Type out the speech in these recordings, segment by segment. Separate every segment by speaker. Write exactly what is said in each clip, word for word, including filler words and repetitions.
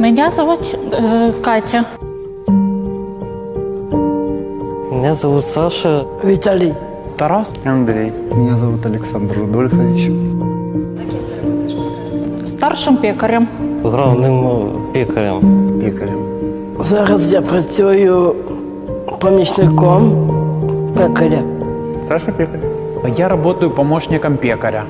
Speaker 1: Меня зовут э, Катя.
Speaker 2: Меня зовут Саша.
Speaker 3: Виталий.
Speaker 4: Тарас.
Speaker 5: Андрей.
Speaker 6: Меня зовут Александр Рудольфович.
Speaker 1: Старшим пекарем.
Speaker 2: Главним пекарем.
Speaker 6: Пекарем.
Speaker 3: Зараз я працюю помічником пекаря.
Speaker 5: Саша пекарь.
Speaker 4: Я работаю помощником пекаря.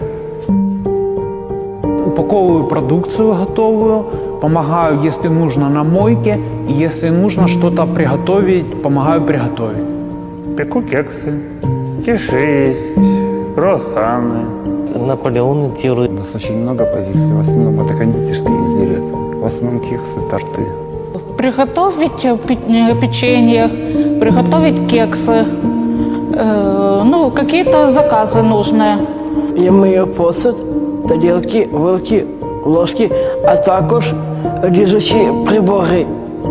Speaker 4: Упаковываю продукцию готовую, помогаю, если нужно, на мойке, и если нужно что-то приготовить, помогаю приготовить.
Speaker 5: Пеку кексы, киши есть, круассаны.
Speaker 2: Наполеоны
Speaker 6: У
Speaker 2: делают.
Speaker 6: нас очень много позиций, в основном это кондитерские изделия. В основном кексы, торты.
Speaker 1: Приготовить э, пе- э, печенье, приготовить кексы. Э, ну, какие-то заказы нужные.
Speaker 3: Я мию посуд, тарілки, вилки, ложки, а також ріжучі прибори.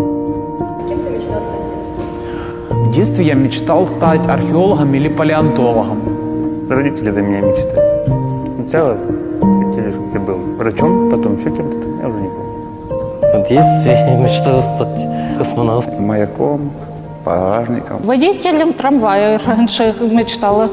Speaker 4: В детстве я мечтал стать археологом или палеонтологом.
Speaker 5: Родители за меня мечтали. Сначала хотели, чтобы я был врачом, потом еще кем-то, я уже не помню.
Speaker 2: В детстве я мечтал стать космонавтом.
Speaker 6: Маяком, пожарником.
Speaker 1: Водителем трамвая раньше мечтала.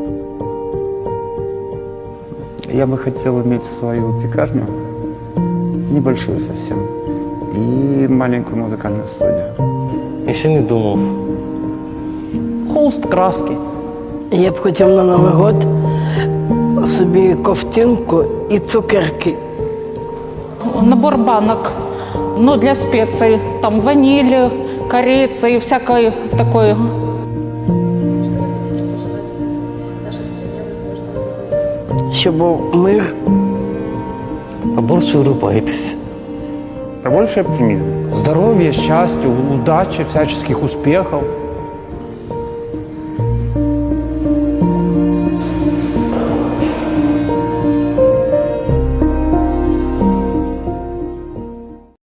Speaker 6: Я бы хотел иметь свою пекарню, небольшую совсем, и маленькую музыкальную студию.
Speaker 2: Еще не думал.
Speaker 4: Холст, краски.
Speaker 3: Я б хотів на Новий год собі ковтинку і цукерки.
Speaker 1: Набор банок, ну, для специй. Там ваниль, корица и всякой такой.
Speaker 3: Щоб був мир.
Speaker 2: Побольше улыбайтесь.
Speaker 5: Побольше оптимизма.
Speaker 4: Здоровья, счастья, удачи, всяческих успехов.